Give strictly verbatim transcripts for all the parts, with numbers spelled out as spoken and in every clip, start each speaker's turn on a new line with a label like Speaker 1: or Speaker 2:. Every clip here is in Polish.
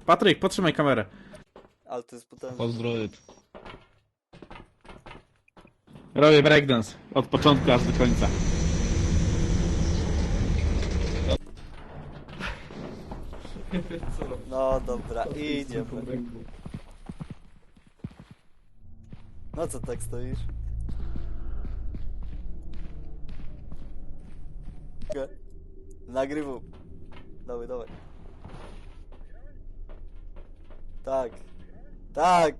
Speaker 1: Patryk, potrzymaj kamerę.
Speaker 2: Ale to jest potężne.
Speaker 3: Pozdrowie.
Speaker 1: Robię breakdance. Od początku aż do końca.
Speaker 2: No dobra, idziemy. No co tak stoisz? Okej. Nagrywam. Dawaj, dawaj. Tak. Tak.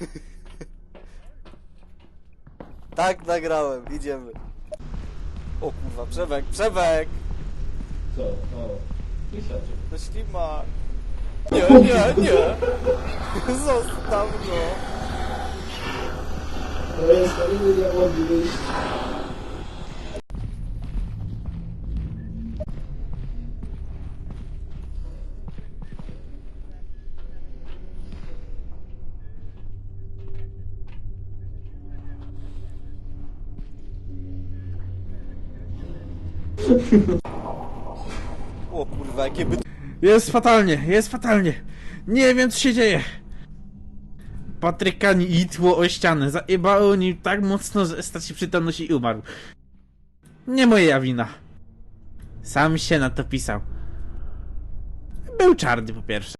Speaker 2: Tak nagrałem, idziemy. O kurwa, Przemek, Przemek!
Speaker 3: Co? O, wysiadł.
Speaker 2: To ślimak. Nie, nie, nie. Zostaw go.
Speaker 3: To jest kolejny diabłowy wyjść.
Speaker 2: O kurwa, jakie by...
Speaker 1: Jest fatalnie, jest fatalnie. Nie wiem, co się dzieje. Patryka nitło o ścianę. Zajebało nim tak mocno, że stracił przytomność i umarł. Nie moja wina. Sam się na to pisał. Był czarny po pierwsze.